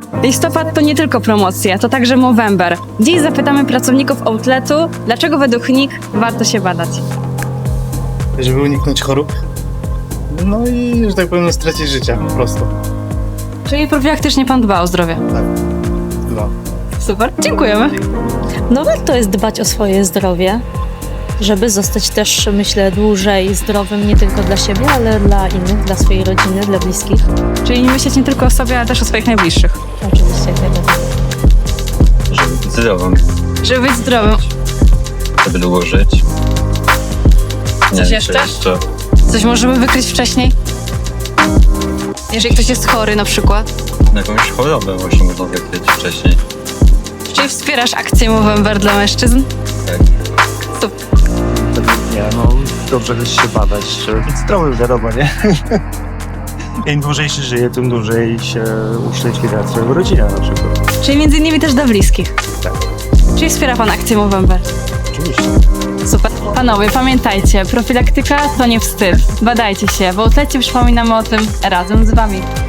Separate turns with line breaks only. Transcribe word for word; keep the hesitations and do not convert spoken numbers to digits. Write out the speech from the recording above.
Listopad to nie tylko promocje, to także Movember. Dziś zapytamy pracowników outletu, dlaczego według nich warto się badać.
Żeby uniknąć chorób. No i, że tak powiem, nie stracić życia po prostu.
Czyli profilaktycznie pan dba o zdrowie.
Tak. No.
Super, dziękujemy.
No warto jest dbać o swoje zdrowie, żeby zostać też, myślę, dłużej zdrowym nie tylko dla siebie, ale dla innych, dla swojej rodziny, dla bliskich.
Czyli nie myśleć nie tylko o sobie, ale też o swoich najbliższych.
Oczywiście, jak najbardziej.
Żeby być zdrowym,
Żeby być zdrowym.
żeby długo żyć. Nie
Coś
wiem,
jeszcze?
czy jeszcze?
Coś możemy wykryć wcześniej? Jeżeli ktoś jest chory na przykład.
Jakąś chorobę właśnie można wykryć wcześniej.
Czyli wspierasz akcję Movember dla mężczyzn?
Tak.
Super.
Nie, no dobrze jest się badać, żeby być zdrowym, wiadomo, nie? Im dłużej się żyje, tym dłużej się uszczęśliwia swoją rodzinę na przykład.
Czyli między innymi też dla bliskich.
Tak.
Czyli wspiera pan akcję Movember.
Oczywiście.
Super. Panowie, pamiętajcie, profilaktyka to nie wstyd. Badajcie się, bo w outlecie przypominamy o tym razem z wami.